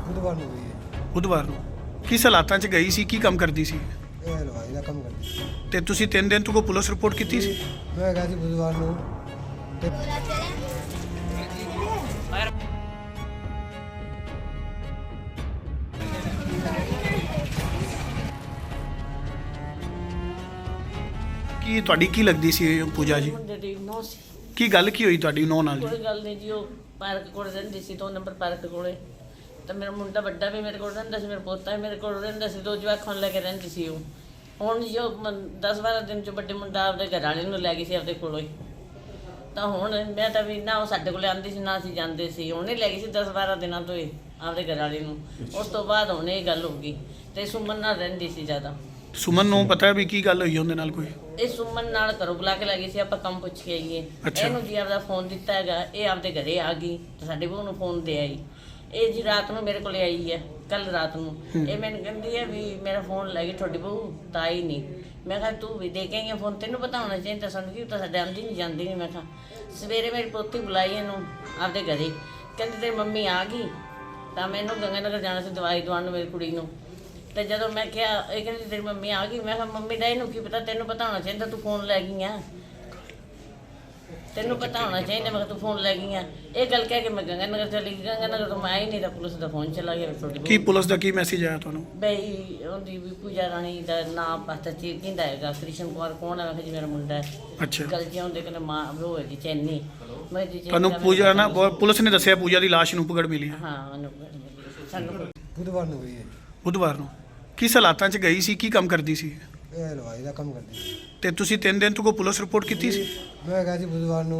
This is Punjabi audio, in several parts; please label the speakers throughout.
Speaker 1: ਬੁੱਧਵਾਰ ਨੂੰ ਗਈ ਹੈ।
Speaker 2: ਬੁੱਧਵਾਰ ਨੂੰ ਕਿਸ ਹਾਲਾਤਾਂ 'ਚ ਗਈ ਸੀ, ਕੀ ਕੰਮ ਕਰਦੀ ਸੀ?
Speaker 1: ਇਹ ਹਲਵਾਈ ਦਾ ਕੰਮ ਕਰਦੀ ਸੀ।
Speaker 2: ਤੇ ਤੁਸੀਂ 3 ਦਿਨ ਤੋਂ ਕੋ ਪੁਲਿਸ ਰਿਪੋਰਟ ਕੀਤੀ ਸੀ?
Speaker 1: ਮੈਂ ਗਿਆ ਸੀ ਬੁੱਧਵਾਰ ਨੂੰ ਤੇ
Speaker 2: ਕੀ ਤੁਹਾਡੀ ਕੀ ਲੱਗਦੀ ਸੀ ਪੂਜਾ ਜੀ?
Speaker 3: ਮੁੰਡੇ ਦੀ ਨੌ ਸੀ।
Speaker 2: ਕੀ ਗੱਲ ਕੀ ਹੋਈ ਤੁਹਾਡੀ ਨੌ ਨਾਲ ਜੀ?
Speaker 3: ਕੋਈ ਗੱਲ ਨਹੀਂ ਜੀ, ਉਹ ਪਾਰਕ ਕੋਲ ਰਹਿੰਦੀ ਸੀ 2 ਨੰਬਰ ਪਾਰਕ ਕੋਲੇ। ਤਾਂ ਮੇਰਾ ਮੁੰਡਾ ਵੱਡਾ ਵੀ ਮੇਰੇ ਕੋਲ ਰਹਿੰਦਾ ਸੀ, ਮੇਰਾ ਪੋਤਾ ਵੀ ਮੇਰੇ ਕੋਲ ਰਹਿੰਦਾ ਸੀ, 2 ਜਵਾਕਾਂ ਨੂੰ ਲੈ ਕੇ ਰਹਿੰਦੀ ਸੀ ਉਹ। ਹੁਣ ਜੋ 10-12 ਦਿਨ ਚ ਵੱਡੇ ਮੁੰਡਾ ਆਪਦੇ ਘਰ ਵਾਲੇ ਨੂੰ ਲੈ ਗਈ ਸੀ ਆਪਦੇ ਕੋਲੋਂ ਹੀ। ਤਾਂ ਹੁਣ ਮੈਂ ਤਾਂ ਵੀ ਨਾ ਉਹ ਸਾਡੇ ਕੋਲੇ ਆਉਂਦੀ ਸੀ ਨਾ ਅਸੀਂ ਜਾਂਦੇ ਸੀ, ਉਹਨੇ ਲੈ ਗਈ ਸੀ 10-12 ਦਿਨਾਂ ਤੋਂ ਹੀ ਆਪਦੇ ਘਰ ਵਾਲੇ ਨੂੰ। ਉਸ ਤੋਂ ਬਾਅਦ ਹੁਣ ਇਹ ਗੱਲ ਹੋ ਗਈ ਤੇ ਸੁਮਨ ਨਾਲ ਰਹਿੰਦੀ ਸੀ ਜ਼ਿਆਦਾ।
Speaker 2: ਸੁਮਨ ਨੂੰ ਪਤਾ ਵੀ ਕੀ ਗੱਲ ਹੋਈ ਉਹਦੇ ਨਾਲ ਕੋਈ?
Speaker 3: ਇਹ ਸੁਮਨ ਨਾਲ ਘਰੋਂ ਬੁਲਾ ਕੇ ਲੈ ਗਈ ਸੀ, ਆਪਾਂ ਕੰਮ ਪੁੱਛ ਕੇ ਆਈਏ।
Speaker 2: ਅੱਛਾ।
Speaker 3: ਇਹਨੂੰ ਜੀ ਆਪਦਾ ਫੋਨ ਦਿੱਤਾ ਹੈਗਾ, ਇਹ ਆਪਦੇ ਘਰੇ ਆ ਗਈ ਤੇ ਸਾਡੇ ਬਹੂ ਨੂੰ ਫੋਨ ਦੇ ਆਈ। ਇਹ ਜੀ ਰਾਤ ਨੂੰ ਮੇਰੇ ਕੋਲੇ ਆਈ ਹੈ, ਕੱਲ ਰਾਤ ਨੂੰ। ਇਹ ਮੈਨੂੰ ਕਹਿੰਦੀ ਹੈ ਵੀ ਮੇਰਾ ਫੋਨ ਲੈ ਗਈ ਤੁਹਾਡੀ ਬਹੂ, ਤਾਂ ਆਈ ਨਹੀਂ। ਮੈਂ ਕਿਹਾ ਤੂੰ ਵੀ ਦੇ ਕੇ ਆਈ ਫੋਨ, ਤੈਨੂੰ ਪਤਾ ਹੋਣਾ ਚਾਹੀਦਾ ਸਾਨੂੰ, ਕੀ ਤਾਂ ਸਾਡੇ ਆਉਂਦੀ ਨਹੀਂ ਜਾਂਦੀ ਨਹੀਂ। ਮੈਂ ਕਿਹਾ ਸਵੇਰੇ ਮੇਰੀ ਪੋਤੀ ਬੁਲਾਈ ਇਹਨੂੰ ਆਪਦੇ ਘਰੇ, ਕਹਿੰਦੀ ਤੇਰੀ ਮੰਮੀ ਆ ਗਈ। ਤਾਂ ਮੈਨੂੰ ਗੰਗਾਨਗਰ ਜਾਣਾ ਸੀ ਦਵਾਈ ਦਵਾਉਣ ਨੂੰ ਮੇਰੀ ਕੁੜੀ ਨੂੰ। ਤੇ ਜਦੋਂ ਮੈਂ ਕਿਹਾ, ਇਹ ਕਹਿੰਦੀ ਤੇਰੀ ਮੰਮੀ ਆ ਗਈ। ਮੈਂ ਕਿਹਾ ਮੰਮੀ ਦਾ ਇਹਨੂੰ ਕੀ ਪਤਾ, ਤੈਨੂੰ ਪਤਾ ਹੋਣਾ ਚਾਹੀਦਾ ਤੂੰ ਫੋਨ ਲੈ ਗਈ ਆ, ਤੈਨੂੰ ਪਤਾ ਹੋਣਾ ਚਾਹੀਦਾ। ਮੈਂ ਕਿਹਾ ਤੂੰ ਫੋਨ ਲੈ ਗਈ ਆ। ਇਹ ਗੱਲ ਕਹਿ ਕੇ ਮੈਂ ਗੰਗਾਨਗਰ ਚਲੀ ਗਈ। ਗੰਗਾਨਗਰ ਤੋਂ ਮੈਂ ਆਈ ਨਹੀਂ ਤਾਂ ਪੁਲਿਸ ਦਾ ਫੋਨ ਚਲਾ ਗਿਆ ਤੁਹਾਡੀ
Speaker 2: ਕੀ ਪੁਲਿਸ ਦਾ ਕੀ ਮੈਸੇਜ ਆਇਆ ਤੁਹਾਨੂੰ?
Speaker 3: ਬਈ ਉਹਦੀ ਵੀ ਪੂਜਾ ਰਾਣੀ ਦਾ ਨਾਮ ਪਤਾ ਚੀਜ਼ ਕਹਿੰਦਾ ਹੈਗਾ, ਕ੍ਰਿਸ਼ਨ ਕੁਮਾਰ ਕੌਣ ਹੈ? ਮੈਂ ਕਿਹਾ ਜੀ ਮੇਰਾ ਮੁੰਡਾ ਹੈ।
Speaker 2: ਅੱਛਾ।
Speaker 3: ਗੱਲ ਜੀ ਹੁੰਦੇ ਕਹਿੰਦੇ ਮਾਂ ਉਹ ਹੈ ਜੀ ਚੈਨੀ। ਮੈਂ ਜੀ
Speaker 2: ਤੁਹਾਨੂੰ ਪੂਜਾ ਨਾ ਪੁਲਿਸ ਨੇ ਦੱਸਿਆ ਪੂਜਾ ਦੀ ਲਾਸ਼ ਨੂੰ ਪਕੜ ਮਿਲੀ ਹੈ?
Speaker 3: ਹਾਂ ਸਾਨੂੰ
Speaker 1: ਬੁੱਧਵਾਰ ਨੂੰ ਗਈ ਹੈ।
Speaker 2: ਬੁੱਧਵਾਰ ਨੂੰ ਕਿਸ ਹਾਲਾਤਾਂ 'ਚ ਗਈ ਸੀ, ਕੀ ਕੰਮ ਕਰਦੀ ਸੀ?
Speaker 1: ਇਹ ਹਲਵਾਈ ਦਾ ਕੰਮ ਕਰਦੀ ਸੀ।
Speaker 2: ਤੇ ਤੁਸੀਂ 3 ਦਿਨ ਤੋਂ ਕੋ ਪੁਲਿਸ ਰਿਪੋਰਟ ਕੀਤੀ ਸੀ?
Speaker 1: ਮੈਂ ਗਿਆ ਸੀ ਬੁੱਧਵਾਰ ਨੂੰ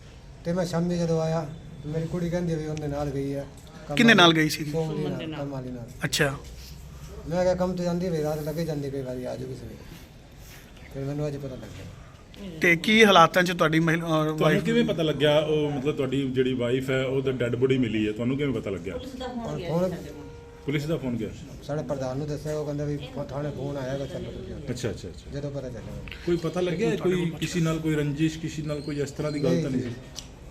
Speaker 1: ਤੇ ਮੈਂ ਸ਼ਾਮੀ ਜਦੋਂ ਆਇਆ ਮੇਰੀ ਕੁੜੀ ਕਹਿੰਦੀ ਵੀ ਉਹਦੇ ਨਾਲ ਗਈ ਹੈ।
Speaker 2: ਕਿਹਦੇ ਨਾਲ ਗਈ ਸੀ?
Speaker 1: ਕੰਮ ਵਾਲੀ ਨਾਲ।
Speaker 2: ਅੱਛਾ।
Speaker 1: ਮੈਂ ਕਿਹਾ ਕੰਮ ਤੇ ਜਾਂਦੀ ਵੀ ਰਾਤ ਲੱਗੇ ਜਾਂਦੀ, ਕਈ ਵਾਰੀ ਆ ਜਾਊਗੀ ਸਵੇਰੇ। ਫਿਰ ਮੈਨੂੰ ਅੱਜ ਪਤਾ ਲੱਗਿਆ।
Speaker 2: ਤੇ ਕੀ ਹਾਲਾਤਾਂ 'ਚ ਤੁਹਾਡੀ
Speaker 4: ਤੁਹਾਨੂੰ
Speaker 2: ਵਾਈਫ
Speaker 4: ਕਿਵੇਂ ਪਤਾ ਲੱਗਿਆ ਉਹ ਮਤਲਬ ਤੁਹਾਡੀ ਜਿਹੜੀ ਵਾਈਫ ਹੈ ਉਹਦਾ ਡੈੱਡ ਬੋਡੀ ਮਿਲੀ ਹੈ, ਤੁਹਾਨੂੰ ਕਿਵੇਂ ਪਤਾ ਲੱਗਿਆ?
Speaker 1: ਹੁਣ
Speaker 4: ਪੁਲਿਸ ਦਾ ਫੋਨ ਗਿਆ?
Speaker 1: ਸਾਡੇ ਪ੍ਰਧਾਨ ਨੂੰ ਦੱਸਿਆ, ਉਹ ਕਹਿੰਦਾ ਵੀ ਥਾਣੇ ਫੋਨ ਆਏਗਾ, ਚਲੋ ਤੁਸੀਂ ਆਓ।
Speaker 4: ਅੱਛਾ ਅੱਛਾ ਅੱਛਾ।
Speaker 1: ਜਦੋਂ ਪਤਾ ਚੱਲਿਆ
Speaker 4: ਕੋਈ ਪਤਾ ਲੱਗਿਆ ਕੋਈ ਕਿਸੇ ਨਾਲ ਕੋਈ ਰੰਜਿਸ਼, ਕਿਸੇ ਨਾਲ ਕੋਈ ਇਸ ਤਰ੍ਹਾਂ ਦੀ ਗੱਲ ਤਾਂ ਨਹੀਂ ਸੀ?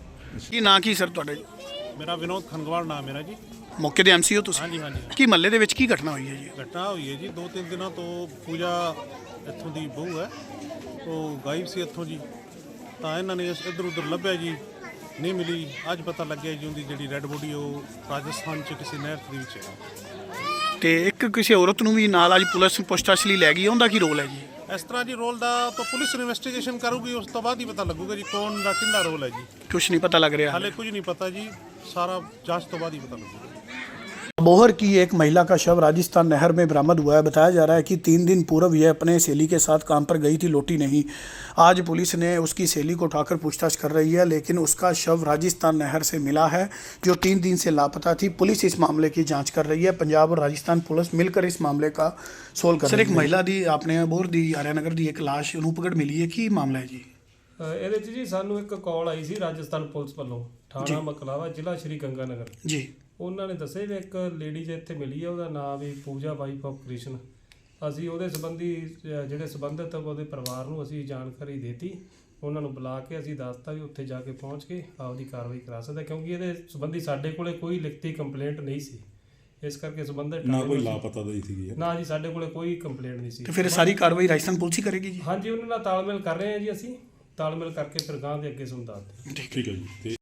Speaker 2: ਕੀ ਨਾਂ ਕੀ ਸਰ ਤੁਹਾਡਾ ਜੀ?
Speaker 5: ਮੇਰਾ ਵਿਨੋਦ ਖੰਗਵਾਲ ਨਾਮ ਮੇਰਾ ਜੀ।
Speaker 2: ਮੌਕੇ ਦੇ ਐਮਸੀ ਹੋ ਤੁਸੀਂ?
Speaker 5: ਹਾਂਜੀ ਹਾਂਜੀ।
Speaker 2: ਕੀ ਮਹੱਲੇ ਦੇ ਵਿੱਚ ਕੀ ਘਟਨਾ ਹੋਈ ਹੈ ਜੀ?
Speaker 5: ਘਟਨਾ ਹੋਈ ਹੈ ਜੀ 2-3 ਦਿਨਾਂ ਤੋਂ ਪੂਜਾ ਇੱਥੋਂ ਦੀ ਬਹੂ ਹੈ, ਉਹ ਗਾਇਬ ਸੀ ਇੱਥੋਂ ਜੀ। ਤਾਂ ਇਹਨਾਂ ਨੇ ਇੱਧਰ ਉੱਧਰ ਲੱਭਿਆ ਜੀ, ਨਹੀਂ ਮਿਲੀ। ਅੱਜ ਪਤਾ ਲੱਗਿਆ ਜੀ ਉਹਦੀ ਜਿਹੜੀ ਰੈੱਡ ਬੋਡੀ ਉਹ ਰਾਜਸਥਾਨ 'ਚ ਕਿਸੇ ਨਹਿਰ ਦੇ ਵਿੱਚ ਹੈ।
Speaker 2: ਤੇ ਇੱਕ ਕਿਸੇ ਔਰਤ ਨੂੰ ਵੀ ਨਾਲ ਅੱਜ ਪੁਲਿਸ ਪੁੱਛਤਾਛ ਲਈ ਲੈ ਗਈ, ਉਹਦਾ ਕੀ ਰੋਲ ਹੈ ਜੀ?
Speaker 5: ਇਸ ਤਰ੍ਹਾਂ ਜੀ ਰੋਲ ਦਾ ਤਾਂ ਪੁਲਿਸ ਇਨਵੈਸਟੀਗੇਸ਼ਨ ਕਰੂਗੀ, ਉਸ ਤੋਂ ਬਾਅਦ ਹੀ ਪਤਾ ਲੱਗੂਗਾ ਜੀ ਕੌਣ ਦਾ ਕਿੰਦਾ ਰੋਲ ਹੈ ਜੀ।
Speaker 2: ਕੁਛ ਨਹੀਂ ਪਤਾ ਲੱਗ ਰਿਹਾ
Speaker 5: ਹਾਲੇ ਕੁਝ ਨਹੀਂ ਪਤਾ जी, सारा जांच तो बाद ही पता लगेगा।
Speaker 2: अबोहर की एक महिला का शव राजस्थान नहर में बरामद हुआ है। बताया जा रहा है कि 3 दिन पूर्व यह अपने सहेली के साथ काम पर गई थी, लौटी नहीं। आज पुलिस ने उसकी सहेली को उठाकर पूछताछ कर रही है, लेकिन उसका शव राजस्थान नहर से मिला है, जो 3 दिन से लापता थी। पुलिस इस मामले की जाँच कर रही है। पंजाब और राजस्थान पुलिस मिलकर इस मामले का सोल्व कर रही है। सर, एक महिला दी आपने अबोहर दी आर्यानगर दी एक लाश ਨੂੰ ਪਕੜ ਮਿਲੀ ਹੈ, ਕੀ ਮਾਮਲਾ ਹੈ ਜੀ?
Speaker 6: ਇਹਦੇ 'ਚ ਜੀ ਸਾਨੂੰ ਇੱਕ ਕਾਲ ਆਈ ਸੀ ਰਾਜਸਥਾਨ ਪੁਲਿਸ ਵੱਲੋਂ, ਥਾਣਾ ਮਕਲਾਵਾ, ਜ਼ਿਲ੍ਹਾ ਸ਼੍ਰੀ ਗੰਗਾਨਗਰ
Speaker 2: ਜੀ।
Speaker 6: ਉਹਨਾਂ ਨੇ ਦੱਸਿਆ ਵੀ ਇੱਕ ਲੇਡੀਜ਼ ਇੱਥੇ ਮਿਲੀ ਹੈ, ਉਹਦਾ ਨਾਮ ਵੀ ਪੂਜਾ, ਵਾਈਫ ਆਫ ਕ੍ਰਿਸ਼ਨ। ਅਸੀਂ ਉਹਦੇ ਸੰਬੰਧੀ ਜਿਹੜੇ ਸੰਬੰਧਿਤ ਉਹਦੇ ਪਰਿਵਾਰ ਨੂੰ ਅਸੀਂ ਜਾਣਕਾਰੀ ਦੇਤੀ। ਉਹਨਾਂ ਨੂੰ ਬੁਲਾ ਕੇ ਅਸੀਂ ਦੱਸਤਾ ਵੀ ਉੱਥੇ ਜਾ ਕੇ ਪਹੁੰਚ ਕੇ ਆਪਦੀ ਕਾਰਵਾਈ ਕਰਾ ਸਕਦਾ, ਕਿਉਂਕਿ ਇਹਦੇ ਸੰਬੰਧੀ ਸਾਡੇ ਕੋਲੇ ਕੋਈ ਲਿਖਤੀ ਕੰਪਲੇਂਟ ਨਹੀਂ ਸੀ। ਇਸ ਕਰਕੇ ਸੰਬੰਧਿਤ
Speaker 4: ਨਾ ਕੋਈ ਲਾਪਤਾ ਦੀ ਸੀਗੀ?
Speaker 6: ਨਾ ਜੀ, ਸਾਡੇ ਕੋਲੇ ਕੋਈ ਕੰਪਲੇਂਟ ਨਹੀਂ ਸੀ।
Speaker 2: ਤੇ ਫਿਰ ਸਾਰੀ ਕਾਰਵਾਈ ਰਾਜਸਥਾਨ ਪੁਲਿਸ ਹੀ ਕਰੇਗੀ ਜੀ?
Speaker 6: ਹਾਂਜੀ, ਉਹਨਾਂ ਨਾਲ ਤਾਲਮੇਲ ਕਰ ਰਹੇ ਹਾਂ ਜੀ, ਅਸੀਂ ਤਾਲਮੇਲ ਕਰਕੇ ਫਿਰ ਗਾਂ ਦੇ ਅੱਗੇ ਤੁਹਾਨੂੰ ਦੱਸਦੇ।
Speaker 4: ਠੀਕ ਹੈ ਜੀ।